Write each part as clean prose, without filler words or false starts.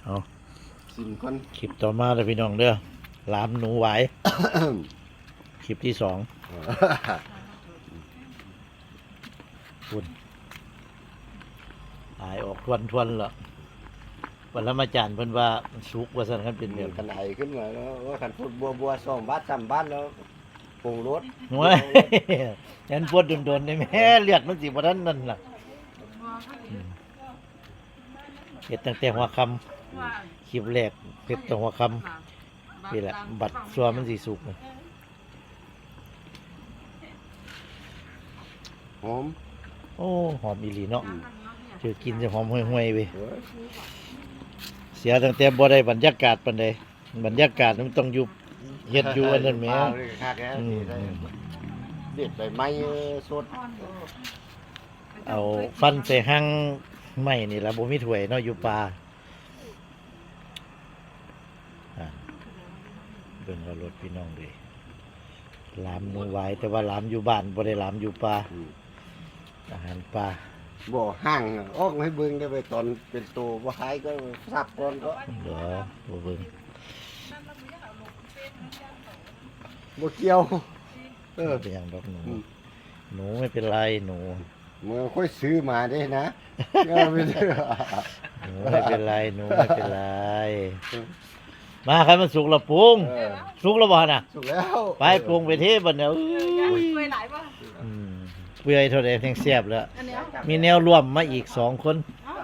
เอาสิมคนคลิปต่อมาเลยพี่น้องเด้อหลามหนูไหว คลิปที่2คุณตายออกทวนๆละวันละมาจานเพิ่นว่าสุกว่าซั่นคันเป็นแบบกันไอขึ้นมาแล้วว่าขันพูดบัว2 บาท 3 บาทแล้วปรุงรสโอ้ยยันปวดโดนๆได้แม่เลือดมันสิบ่ทันนั่นล่ะเฮ็ดตั้งแต่หัวค่ำคลิปแรกเฮ็ดตั้งหัวค่ำนี่แหละบัดซัวมันสิสุกนะหอมโอ้หอมอีหลีเนาะเจอกินจะหอมห่วยๆเว้ยเสียตั้งแต่บ่ได้บรรยากาศปานใดบรรยากาศมันต้องอยู่เฮ็ดอยู่อันนั้นแหมเด็ดใบไม้สดเอาฟันใส่หั่งไม้นี่ล่ะบ่มีถ้วยเนาะอยู่ป่าเบิ่งว่ารถพี่น้องเด้หลามหนูหวายแต่ว่าหลามอยู่บ้านบ่ได้หลามอยู่ป่าอาหารป่าบ่ห่างออกให้เบิ่งได้ไปตอนเป็นตัวบ่หายก็สับก่อนก็เดี๋ยวบ่เบิ่งบ่เกี่ยวเป็นหยังดอกหนูไม่เป็นไรหนูเมื่อค่อยซื้อมาได้นะไม่ได้หนูไม่เป็นไรหนูไม่เป็นไรมาใครมันสุกแล้วปรุงสุกแล้วบ่น่ะสุกแล้วไปปรุงไปเทบัดเนี่ยเปื่อยหลายป่ะเปื่อยเท่าใดแทงแซ่บแล้วอันเนี้ยมีแนวร่วมมาอีก2 คน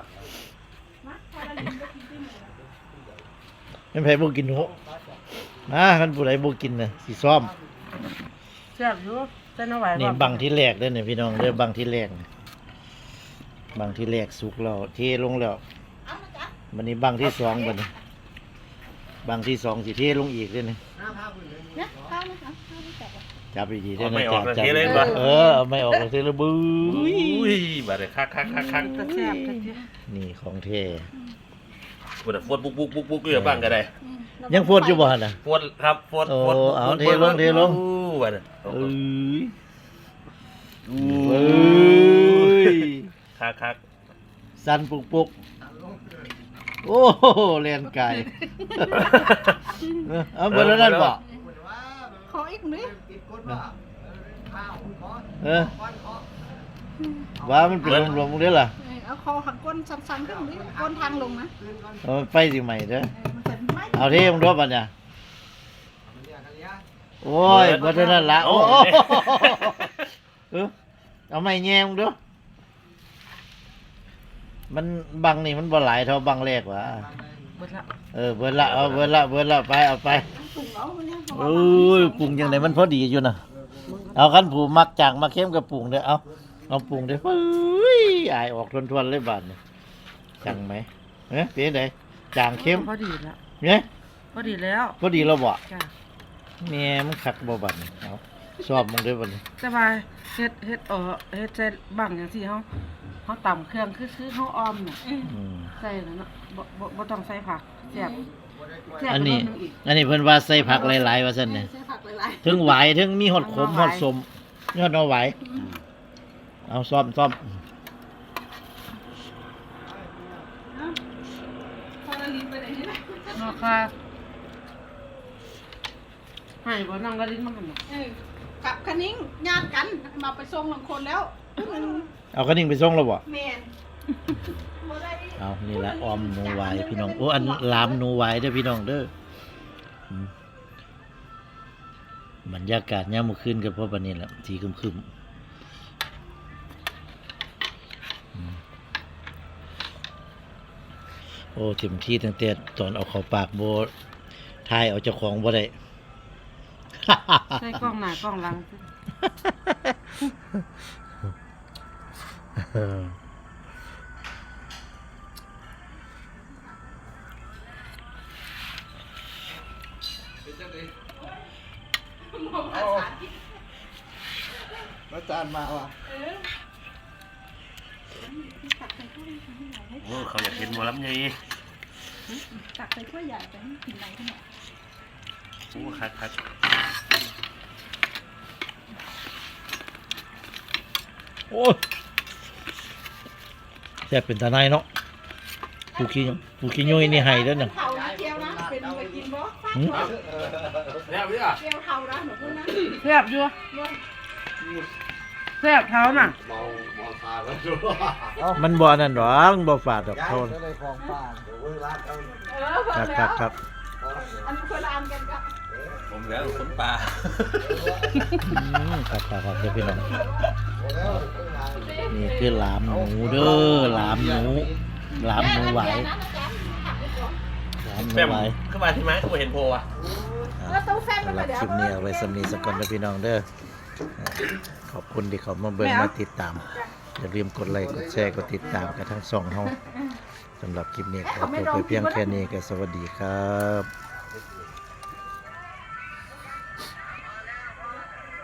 ไม่นไผบ่กินหนูมาคันผู้ใดบ่กินน่ะสิซ้อมแซ่บอยู่เส้นเอาไว้นี่บังที่แรกเด้อเนี่ยพี่น้องเด้อบังที่แรกนี่บังที่แรกสุกแล้วเทลงแล้วบัดนี้บังที่2บัดนี้บังที่2สิเทลงอีกเด้อนี่เนี่ยข้าวนะคะข้าวไม่แตกจับดีๆได้เอาไหมไม่ออกจับเลยเลยปะเอาไม่ออกเลยทีละบื้อุ้อยบาดเลยคักจะแซ่บจะเจ๊นี่ของเทปวดฟดปุ๊กอยู่บ้างก็ได้ยังพูดอยู่บ่หั่นน่ะฟดครับฟดโอ้ฟดเอาเทลงเทลงบาดเลยเอ้ยอู้เอ้ยคักสั่นปุกโอ้เลียนไก่เอาเบอร์นั้นบ่ขออีกนิดว่ามันเป็นรวมๆเด้อล่ะเอาคอหักก้นสั้นๆขึ้นนิดก้นทางลงนะเอามันไปสิใหม่เด้อมันจะไม่เอาเทมึงด้วยบัดเนี่ยโอ้ยเบอร์นั้นละโอ้เอาไม่แย่มึงด้วยมันบังนี่มันบ่หลายเท่าบังแรกว่ะเบิดละเบิดละเอาเบิดละไปเอาไปปรุงแล้วมันเนี่ยโอ้ยปรุงยังไงมันพอดีอยู่นะเอาคันผูมักจางมาเข้มกับปรุงเด้อเอาปรุงเด้อเฮ้ยอายออกทวนๆเลยบาดนี่จังไหมเป็นไงจางเข้มพอดีแล้วเนี่ยพอดีแล้วพอดีแล้วบ่จ้ะแม่มันคักบ่บาดนี่เอาชอบมึงเด้อบัดนี้แต่ว่าเฮ็ดเฮ็ดใส่บังอย่างที่เขาต่ำเครื่องคือเขาออมน่ะอืมใส่แล้วเนาะบ่ต้องใส่ผักแซ่บอันนี้เพิ่นว่าใส่ผักหลายๆว่าซั่นเนี่ยใส่ผักหลายถึงหวายถึงมีหอดขมหอดสมยอดเอาหวายเอาซ่อมๆพอละลิ้นไปไหนนี่นะเนาะค่ะให้บ่นั่งละลิ้นมันกันเนาะกับคณิ้งญาติกันมาไปส่งหลังคนแล้วมันเอากระดิ่งไปส่งแล้วบ่แม่นบ่ได้เอานี่ละออมหนูหวายพี่น้องโอ้อันลามหนูหวายเด้อพี่น้องเด้ออืมบรรยากาศยามมื้อคืนก็เพราะบัดนี้ล่ะสีครึมๆโอ้เต็มที่ตั้งแต่ตอนเอาเข้าปากบ่ทายเอาเจ้าของบ่ได้ใส่กล้องหน้ากล้องหลังแล้วจานมาว่ะโอ้เขาอยากกินหมอลำไงตักใส่ถ้วยใหญ่ไปให้กินไหนขนาดโอ้คักโอ้ยแซ่บเป็นตาในเนาะผูขี้ยุ้ยนี่ให้แล้วน่ะเท่านะเกียวนะเป็นไปกินบ่หืมแล้วพี่อ่ะเกียวเท่านะหนูพูดนะแซ่บอยู่แซ่บเท้าน่ะเมาตาแล้วดูมันบ่อันนั้นหรอกมันบ่ฝาดดอกย้ายเท่าก็เลยของป้าเดี๋ยวเวลาเอาครับอันนี้คนละอันกันก็ผมแล้วคนป่าครับเดี๋ยวพี่น้องนี่คือหลามหมูเด้อหลามหมูไหวหลามหมูแม่มไหวขึ้นมาที่ไหมกูเห็นโพอ่ะแล้วตู้แฟนสำหมัรันบเดี๋ยวคลิปนี้เอาไว้สำนีสักก่อนนะพี่น้องเด้อขอบคุณที่เขามาเบิ่งมาติดตามอย่าลืมกดไลค์กดแชร์กดติดตามกันทั้งสองเฮาสำหรับคลิปนี้ขอจบไปเพียงแค่นี้ก็สวัสดีครับ